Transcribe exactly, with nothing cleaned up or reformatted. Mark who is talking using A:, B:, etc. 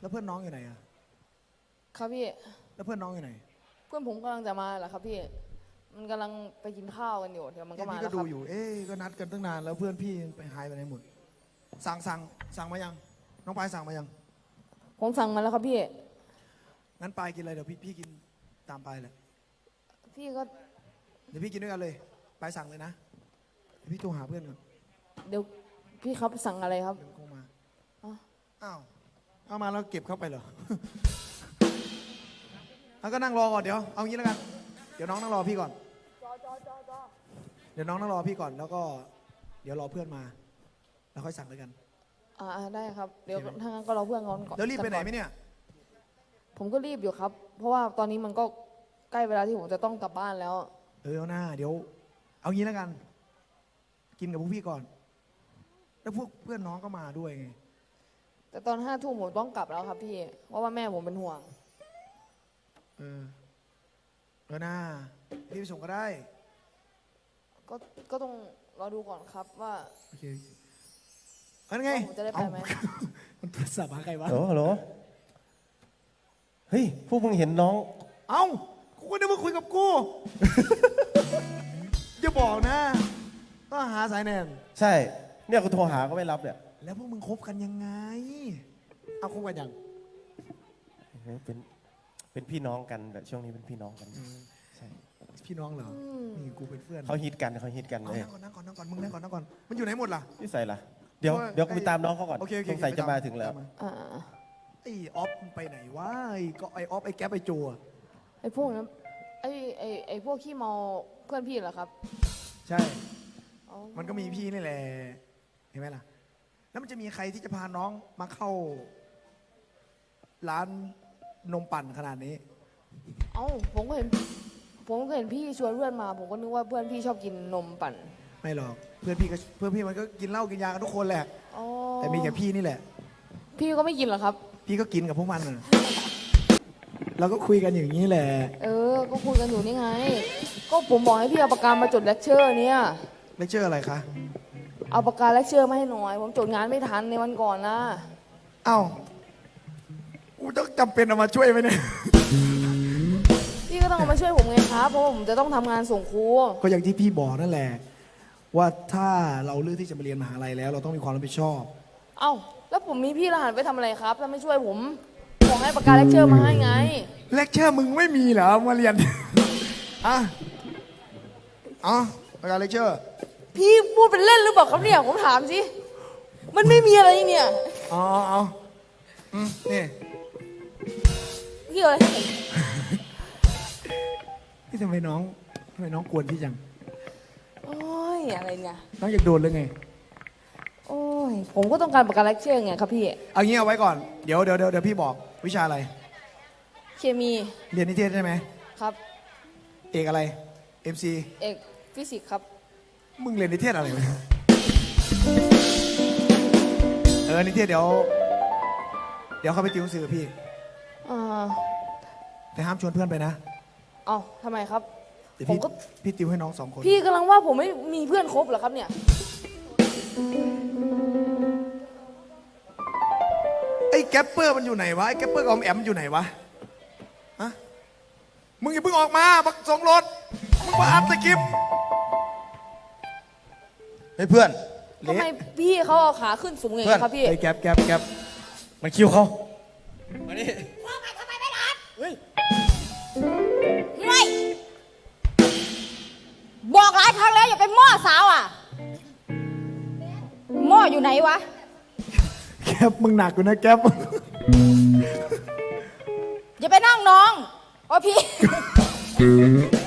A: แล้วเพื่อนน้องอยู่ไหนอะ
B: ครับพี่
A: แล้วเพื่อนน้องอยู่ไหน
B: เพื่อนผมกำลังจะมาแหละครับพี่มันกำลังไปกินข้าวกันอยู่เดี๋ยวมันก็มา
A: พี่
B: แล้
A: ก็
B: วค
A: ดู
B: รับ
A: อยู่เอ๊ะก็นัดกันตั้งนานแล้วเพื่อนพี่ไปหายไปไหนหมดสั่งสั่งสั่งมายังน้องปายสั่งมายัง
B: ผมสั่งมาแล้วครับพี่
A: งั้นปายกินอะไรเดี๋ยวพี่พี่กินตามปายเลย
B: พี่ก็
A: เดี๋ยวพี่กินด้วยกันเลยปายสั่งเลยนะเดี๋ยวพี่โทรหาเพื่อนก่อน
B: เดี๋ยวพี่ครับสั่งอะไรครับ
A: เดี๋ยวคงมา
B: อ๋อ
A: อ้าวเอามาแล้วเก็บเข้าไปเหรอ แล้วก็นั่งรอก่อนเดี๋ยวเอางี้แล้วกันเดี๋ยวน้องนั่งรอพี่ก่อนเดี๋ยวน้องนั่งรอพี่ก่อนแล้วก็เดี๋ยวรอเพื่อนมาแล้วค่อยสั่งด้วยกัน
B: อ่าได้ครับเดี๋ยวถ้างั้นก็รอเพื่อนก่อนก่อน
A: แล้วรีบไปไหนไหมเนี่ย
B: ผมก็รีบอยู่ครับ เพราะว่าตอนนี้มันก็ใกล้เวลาที่ผมจะต้องกลับบ้านแล้ว
A: เออเอาหน้าเดี๋ยวเอางี้แล้วกัน กินกับพวกพี่ก่อน แล้วพวกเพื่อนน้องก็มาด้วยไง
B: แต่ตอนห้าทุ่มผมต้องกลับแล้วครับพี่เพราะว่าแม่ผมเป็นห่วง
A: เออเออหน้าพี่ไปส่งก็ได้
B: ก็ก็ต้องรอดูก่อนครับว่า
A: โอเคอันไง
B: ผมจะได้ไปไหม
A: มันโทรศัพท์หาใครวะ
C: ฮัลโหลฮัลโหลเฮ้ยพวกมึงเห็นน้อง
A: เอ้ากูก็นึกว่าคุยกับกู อย่าบอกนะต้องหาสายแนน
C: ใช่เนี่ยกูโทรหาก็ไม่รับเนี่ย
A: แล้วพวกมึงคบกันยังไงเอาคบกันยัง
C: เป็นเป็นพี่น้องกันแบบช่วงนี้เป็นพี่น้องกันใช่
A: พี่น้องเหรอนี่กูเป็นเพื่อน
C: เขาฮิตกันเขาฮิตกันเลย
A: นั่งก่อนนั่งก่อนนั่งก่อนมึงนั่งก่อนนั่งก่อนมันอยู่ไหนหมดล่ะ
C: นี่ใส่ละเดี๋ยวเดี๋ยวกูไปตามน้องเขาก่อนสงสัยจะมาถึงแล้ว
A: ไอ้ออฟไปไหนวะไอ้ก็ไอ้ออฟไอ้แก๊ปไอ้โจ
B: ไอ้พวกนั้นไอ้ไอ้ไอ้พวกขี้เมาเพื่อนพี่เหรอครับ
A: ใช่มันก็มีพี่นี่แหละเห็นไหมล่ะแล้วมันจะมีใครที่จะพาน้องมาเข้าร้านนมปั่นขนาดนี้
B: เอ้าผมก็เห็นผมก็เห็นพี่ชวนเพื่อนมาผมก็นึกว่าเพื่อนพี่ชอบกินนมปั่น
A: ไม่หรอกเพื่อนพี่ก็เพื่อนพี่มันก็กินเหล้ากินยากันทุกคนแหละแต่มีแค่พี่นี่แหละ
B: พี่ก็ไม่กินหรอครับ
A: พี่ก็กินกับพวกมันน่ะเราก็คุยกันอย่างนี้แหละ
B: เออก็คุยกันอยู่นี่ไงก็ผมบอกให้พี่เอาปากกามาจดเลคเชอร์เนี่ย
A: เลคเชอร์อะไรคะ
B: เอาปากกาเลคเชอร์มาให้หน่อยผมจดงานไม่ทันในวันก่อนนะ
A: เอ้ากูต้องจำเป็นเอามาช่วยไหมเนี่ย
B: พี่ก็ต้องเอามาช่วยผมไงครับเพราะผมจะต้องทำงานส่งครู
A: ก็อย่างที่พี่บอกนั่นแหละว่าถ้าเราเลือกที่จะมาเรียนมหาลัยแล้วเราต้องมีความรับผิดชอบ
B: เอ้าแล้วผมมีพี่รหัสไปทำอะไรครับถ้าไม่ช่วยผมบอกให้ปากกาเลคเชอร์มาให้ไง
A: เลคเชอร์มึงไม่มีเหรอมาเรียนอ่ะอ๋อปากกาเลคเชอร์
B: พี่พูดเป็นเล่นหรือเปล่าครับเนี่ยผมถามสิมันไม่มีอะไรเนี่ย
A: อ๋อเอาอืมนี่
B: พี่อะไร
A: นี่ทำไมน้องทำไมน้องกวนพี่จัง
B: โอ้ยอะไรเนี่ย
A: น้องอยากโดนหรือไง
B: โอ้ยผมก็ต้องการประกันเลคเชอร์ไงครับพี่
A: เอางี้เอาไว้ก่อนเดี๋ยวเดี๋ยวเดี๋ยวพี่บอกวิชาอะไร
B: เคมี
A: เรียนนิเทศใช่ไหม
B: ครับ
A: เอกอะไร เอ็ม ซี
B: เอกฟิสิกส์ครับ
A: มึงเรียนนิเทศอะไรวะเออนิเทศเดี๋ยวเดี๋ยวเข้าไปติวหนังสือพี่
B: อ่า
A: แต่ห้ามชวนเพื่อนไปนะ
B: เอ้าทำไมครับ
A: เดี๋ยวพี่พี่ติวให้น้องสองคน
B: พี่กำลังว่าผมไม่มีเพื่อนคบเหรอครับเนี่ย
A: ไอ้แกปเปอร์มันอยู่ไหนวะไอ้แกปเปอร์กับออมแอมอยู่ไหนวะฮะมึงอย่าเพิ่งออกมาบักส่งรถมึงมาอัดสกิป
C: เฮ้ยเพื่อน
B: ทำไมพี่เขาเอาขาขึ้นสูงอย่างนี้ครับพี่
A: ไอ้แกปแกปแกป
C: มันคิวเขามาดิ
D: ว่าไงทำไมไม่รับ
C: เฮ้ย
D: ไม่บอกหลายครั้งแล้วอย่าเป็นหม้อสาวอ่ะหม้ออยู่ไหนวะ
A: แกปมึงหนักอยู่นะแกป
D: อย่าไปนั่งน้องโอ้พี่